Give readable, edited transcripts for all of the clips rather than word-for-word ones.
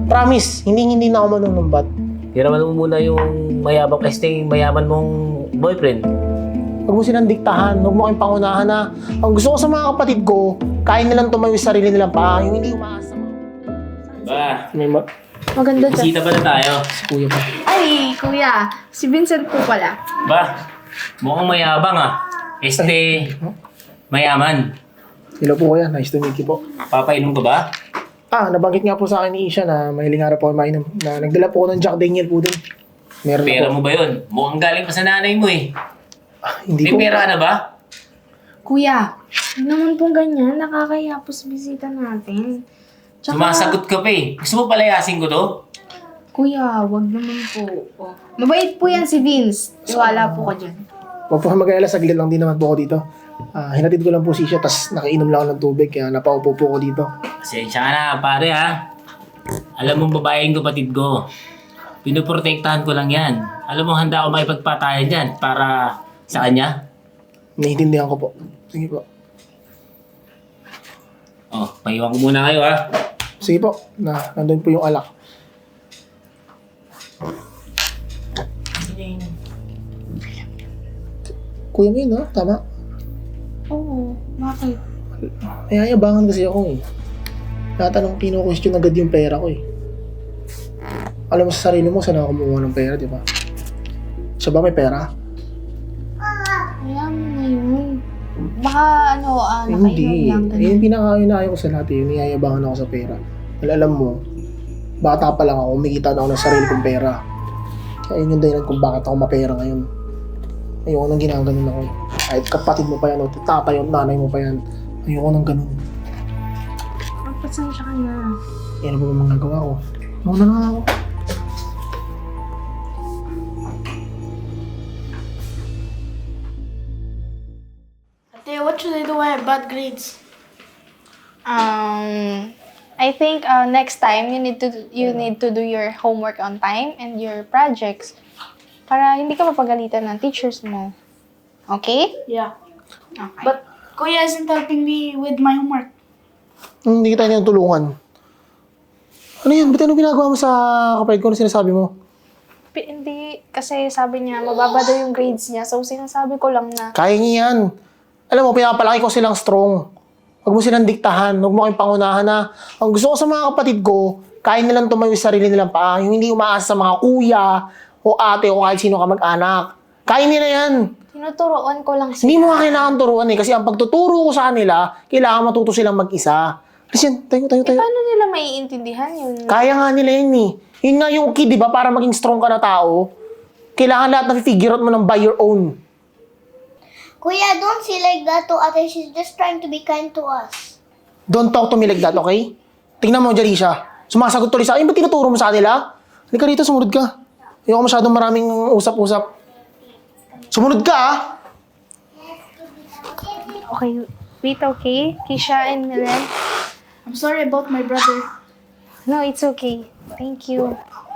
Promise, hindi na ako manunumbat. Tiraman mo muna yung mayaman mong boyfriend. Huwag mo silang diktahan, huwag mo kayong pangunahan na ang gusto ko sa mga kapatid ko, kaya nilang tumayo sa sarili nilang paa, yung hindi umaasa. Ba, May Maganda dyan. bisita pala tayo. kuya pa. Ay, kuya. Si Vincent po pala. Ba, mukhang mayabang ah. Mayaman. Hello po kuya, nice to meet you po. Papainom ka ba? Nabanggit nga po sa akin ni Isha na mahiling nga po ako mainom. Na nagdala po ako ng Jack Daniel po dun. Meron Pera ako. mo ba yun? Mukhang galing pa sa nanay mo eh. Hindi May po. pera ka na ba? Kuya, hindi naman pong ganyan. Nakakaya po sa bisita natin. Sumasagot ka pa eh. Gusto mo palayasin ko to? Kuya, wag naman po. Oh. Mabait po yan si Vince. Wala po ka dyan. Huwag po mag-alala, saglit lang din naman po ako dito. Hinatid ko lang po si Isha, tas nakainom lang ako ng tubig, kaya napaupo po ako dito. Pasensya ka na pare ha. Alam mo babaeng kapatid ko. Pinoprotektahan ko lang yan. Alam mo handa ako makipagpatayan dyan para sa kanya. Naiintindihan ko po. Sige po. Oh, paiwan ko muna kayo ha. Sige po, nandun po yung alak. Kuya mo yun, ha? Tama. Oo, bakit? May ayabangan kasi ako eh. Natanong kino-question agad yung pera ko eh. Alam mo sa sarili mo, saan ako kumuha ng pera, di ba? Siya ba may pera? Kaya mo na yun. Baka nakainom Hindi. lang. Yung pinaka-inayo ko sa lahat eh, niyayabangan ako sa pera. Well, alam mo, bata pa lang ako, umikita na ako ng sarili kong pera. Kaya yun yung dahilan kung bakit ako mapera ngayon. Ayoko nang ginaganon ako eh. Kahit kapatid mo pa yan, o tatay o nanay mo pa yan, ayoko nang ganun. Pasensya ka na. Yan ang mga nagawa ko. Mauna na nga ako. Ate, what should I do when I have bad grades? I think next time you need to do your homework on time and your projects para hindi ka mapagalitan ng teachers mo. Okay? Yeah. Okay. But Kuya isn't helping me with my homework. Hindi kita niyang tulungan. Ano yan? Ba't anong ginagawa mo sa kapatid ko na sinasabi mo? Hindi, kasi sabi niya, mababa daw yung grades niya. So, sinasabi ko lang na, Kaya niya yan. Alam mo, pinapalaki ko silang strong. Huwag mo silang diktahan. Huwag mo kayong pangunahan na ang gusto ko sa mga kapatid ko, kaya nilang tumayo sa sarili nilang paa. Yung hindi umaasa sa mga kuya o ate o kahit sino ka mag-anak. Kaya nila yan. tinuturoan ko lang Hindi sila. mo nga kailangan turuan eh. Kasi ang pagtuturo ko sa kanila, kailangan matuto silang mag-isa. Kasi yan, tayo. Paano nila maiintindihan yun? Kaya nga nila yun eh. Yun nga yung key, di ba? Para maging strong ka na tao, kailangan lahat na figure out mo ng by your own. Kuya, don't say like that to ate. She's just trying to be kind to us. Don't talk to me like that, okay? Tingnan mo, Jalisha. Sumasagot tuloy sa akin. Ba't tinuturo mo sa kanila? Halika rito, sumunod ka. Ayoko masyadong maraming usap-usap. Sumunod ka, ah! Okay, wait, okay? Kisha and Milen? I'm sorry about my brother. No, it's okay. Thank you.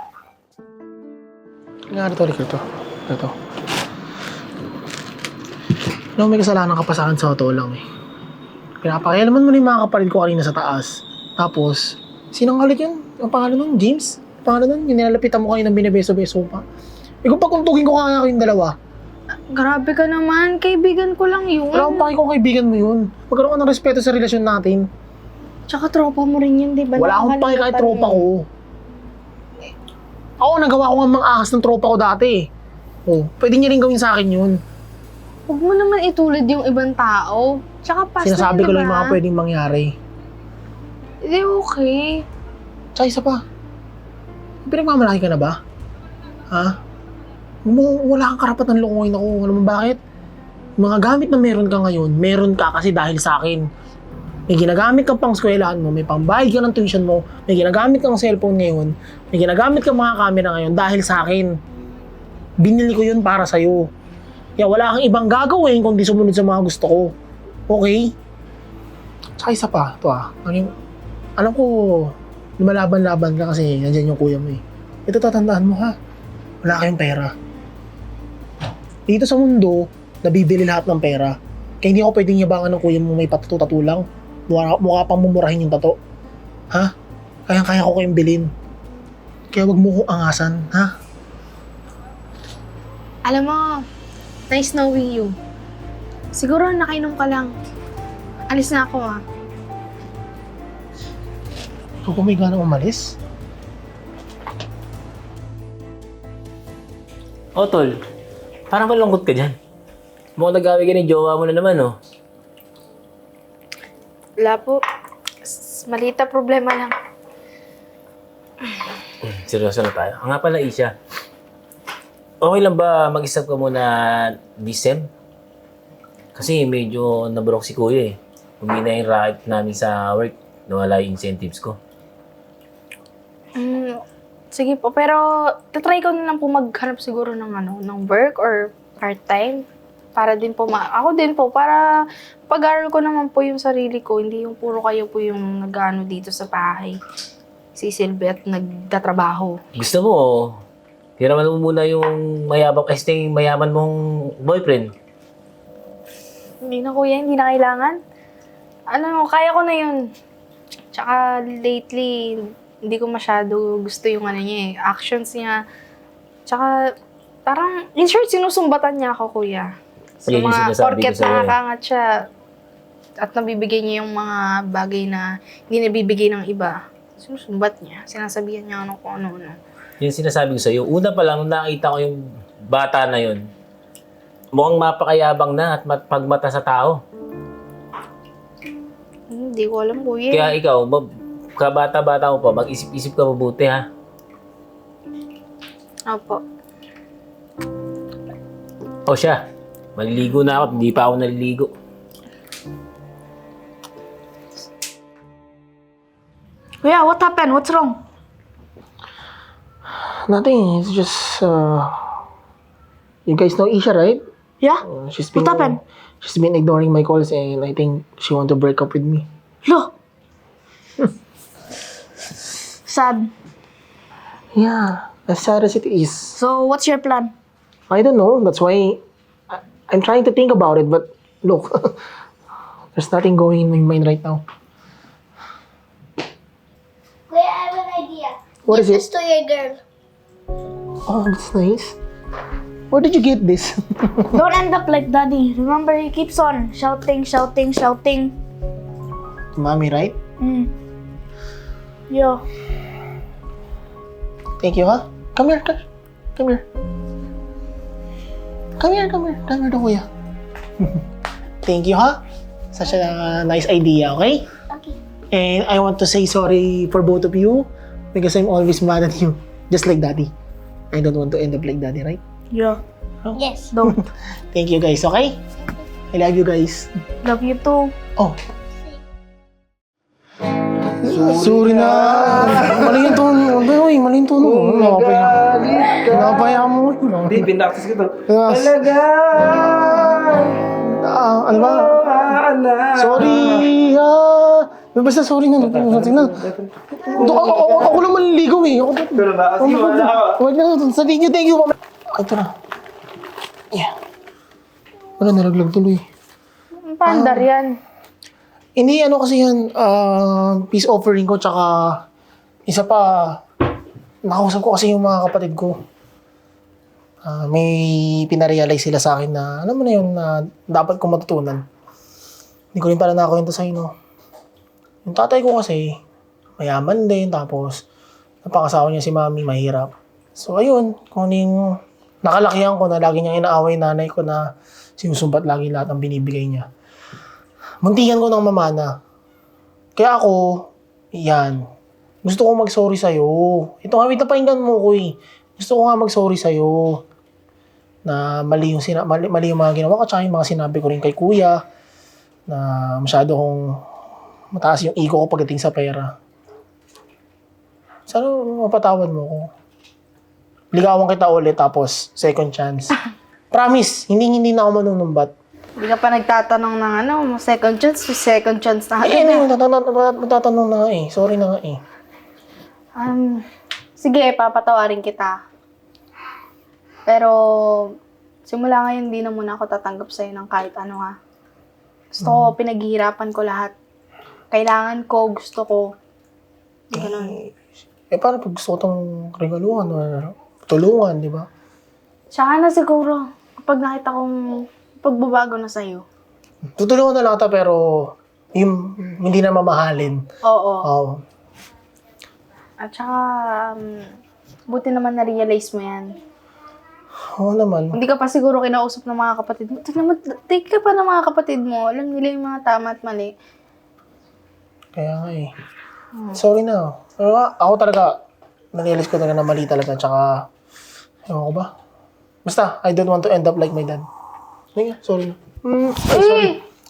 Nga, ito. Alam mo, may kasalanan ka pa sa akin sa totoo lang eh. Pinapakialaman mo na yung mga kapatid ko kanina sa taas. Tapos, sinong halik yun? Ang pangalan nun? James? Ang pangalan nun? Yung nilalapitan mo kayo ng binabeso-beso pa. Eh kung pagkuntugin ko kaya kayong dalawa, Grabe ka naman. Kaibigan ko lang yun. wala akong paki kung kaibigan mo yun. Magkaroon ka ng respeto sa relasyon natin. Tsaka tropa mo rin yun, di ba? Wala akong paki kahit tropa ko. Ako, nagawa ko nga mga ahas ng tropa ko dati eh. Oh, pwede niya rin gawin sa akin yun. Huwag mo naman itulad yung ibang tao. Tsaka past Sinasabi na, ko lang yung diba? mga pwedeng mangyari. Hindi, okay. Tsaka isa pa. Pinagmamalaki ka na ba? Ha? Wala kang karapatan lokohin ako. Alam mo bakit? Mga gamit na meron ka ngayon, meron ka kasi dahil sa akin. May ginagamit kang pang eskwelahan mo, may pambayad ka ng tuition mo, may ginagamit kang cellphone ngayon, may ginagamit kang mga camera ngayon dahil sa akin. Binili ko yun para sa'yo. Kaya wala kang ibang gagawin kundi sumunod sa mga gusto ko. Okay? Tsaka isa pa, ito alam ko, lumalaban-laban ka kasi nandyan yung kuya mo eh. Ito tatandaan mo ha, wala kayong pera. Dito sa mundo, nabibili lahat ng pera. Kaya hindi ako pwedeng yabangan ng kuya mo may patatu-tatu lang. Mukha pang mumurahin yung tato. Ha? Kaya ko kayong bilhin. Kaya wag mo ko angasan, ha? Alam mo, nice knowing you. Siguro nakainom ka lang. Alis na ako ah. Kung may gana umalis, O, tol. Parang malungkot ka dyan. Mukhang nag-away ka ni jowa mo na naman, oh. Wala po. Maliit na problema lang. Seryoso na tayo. Nga pala, Isha. Okay lang ba mag-isap ka muna this sem? Kasi medyo nabrok si kuya eh. Humina yung racket namin sa work. Nawala yung incentives ko. Sige po, pero tatry ko na lang po maghanap siguro ng work or part-time. Para din po, ako din po, para pag-aral ko naman po yung sarili ko, hindi yung puro kayo po yung nag-ano dito sa bahay. Sisilbi at nagtatrabaho. Gusto mo, hiraman mo muna yung mayaman mong boyfriend. Hindi na kuya, hindi na kailangan. Ano, kaya ko na yun. Tsaka lately, hindi ko masyado gusto yung ano niya eh, actions niya. Tsaka, parang, in short, sinusumbatan niya ako, kuya. So, Yan yung mga sinasabi porket ko sa'yo eh. nakakangat siya at nabibigay niya yung mga bagay na hindi nabibigay ng iba. Sinusumbat niya. Sinasabihan niya ano kung ano-ano. Yung sinasabi ko sa'yo, una pa lang nakita ko yung bata na yun. Mukhang mapakayabang na at pagmata sa tao. Hindi ko alam, kuya. Kaya ikaw, kabata-bata mo pa, mag-isip-isip ka mabuti ha. Opo. O siya, maliligo na ako, hindi pa ako naliligo. Kuya, what happened? What's wrong? nothing. It's just, you guys know Isha, right? Yeah? She's What happened? She's been ignoring my calls and I think she want to break up with me. Lo! Sad. Yeah, as sad as it is. So, what's your plan? I don't know. That's why I'm trying to think about it. But look, there's nothing going in my mind right now. Kuya, I have an idea. What Give is it? this to your girl. Oh, that's nice. Where did you get this? Don't end up like daddy. Remember, he keeps on shouting, shouting, shouting. Mommy, right? Yo. Thank you, huh? Come here, come here. Come here to kuya. Thank you, huh? Such a nice idea, okay? Okay. And I want to say sorry for both of you because I'm always mad at you, just like daddy. I don't want to end up like daddy, right? Yeah. Yes. Don't. Thank you guys, okay? I love you guys. Love you too. Oh. Sorry na. Mali yung tono. Uy, mali yung tono. Napaya mo. Hindi, pinaktis ko to. Yes. Talaga! Ano ba? Sorry. Basta sorry na. Ako lang maliligaw eh. Pero ba? Kasi wala ako. Wag na. Thank you. Ito na. Yeah. Wala, nalaglag tuloy. Pandar yan. Hindi, ano kasi yan, peace offering ko, tsaka isa pa, nakausap ko kasi yung mga kapatid ko. May pinarealize sila sa akin na, alam mo na yun, na dapat kong matutunan. Hindi ko rin pala nakakwento sa'yo, no? Yung tatay ko kasi, mayaman din, tapos, napakasawa niya si mami, mahirap. So, ayun, kung ano yung nakalakihan ko na lagi niyang inaaway nanay ko na sinusumbat lagi lahat ang binibigay niya. Muntikan ko ng mamana. Kaya ako, yan. Gusto ko mag-sorry sa'yo. Ito nga, wait na pakinggan mo ko eh. Gusto ko nga mag-sorry sa'yo. Na mali yung mga ginawa ko, tsaka yung mga sinabi ko rin kay kuya. Na masyado kong mataas yung ego ko pagdating sa pera. Sana mapatawad mo ko. Ligawan kita ulit, tapos second chance. Promise, hindi na ako manunumbat. Hindi ka pa nagtatanong ng second chance na Eh, agad na. magtatanong na nga eh. Sorry na nga eh. Sige, papatawarin kita. Pero, simula ngayon, hindi na muna ako tatanggap sa'yo ng kahit ano ha. Gusto ko, pinaghihirapan ko lahat. Kailangan ko, gusto ko. Ganun. Eh, paano pag gusto ko itong regaluhan or tulungan, di ba? Tsaka na siguro, kapag nakita kong pagbabago na sa'yo. Tutulungan na lang kita pero yung hindi na mamahalin. Oo. Oo. At saka, buti naman na-realize mo yan. Oo naman. Hindi ka pa siguro kinausap ng mga kapatid mo. Take ka pa ng mga kapatid mo. Alam nila yung mga tama at mali. Kaya nga eh. Sorry na. Pero ako talaga, narealize ko talaga na mali talaga. Tsaka, ewan ko ba? Basta, I don't want to end up like my dad. Sige, sorry na. Ay, sorry.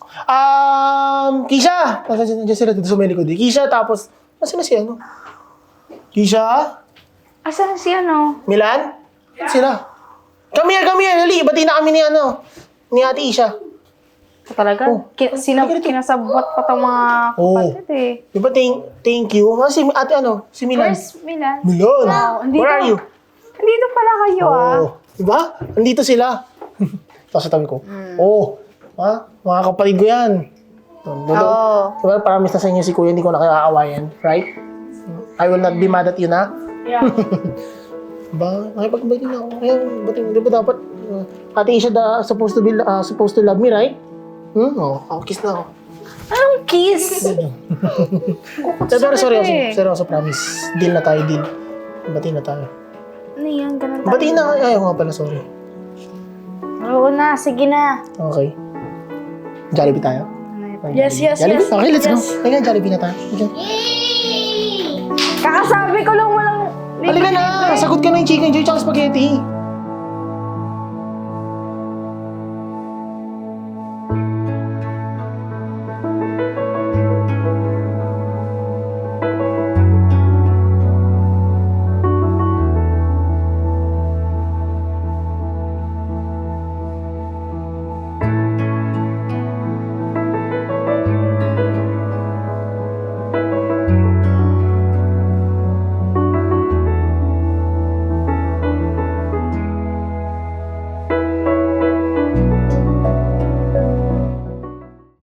Kisha! Nandiyan sila dito sa may likod eh. Kisha, tapos, nasan na si ano? Kisha? Asan si ano? Milan? Sila. Come here, Lali. Bati na kami ni ano, ni Ate Isha. Talaga? Oh. Kinasabot pa itong mga kapatid eh. Di ba, thank you. Si Ate ano, si Milan. Where's Milan? Milan! andito. Where are you? Andito pala kayo ah. Oh, di ba? Andito sila. Tapos sa tabi ko. Oh, ha? Mga kapatid ko yan. Oo. Diba, promise na sa inyo si Kuya, hindi ko na kayo aawayan. Right? I will not be mad at you na. Yeah. Ba, nakipag-bati na ako. Kaya, di ba dapat, Ate Isha supposed to love me, right? Oh, kiss na ako. Anong kiss? Pero sorry, eh. promise. Deal na tayo, deal. Bati na tayo. Ano yan? Ganun tayo. Bati na, ayaw nga pala, sorry. Oo na, sige na. Okay. Jollibee tayo? Yes, yes, Jollibee? yes. Okay, let's go. yes. Teka, Jollibee na tayo. Okay. Kakasabi ko lang walang... Halika na! Sagot ka na yung chicken joy tsaka spaghetti.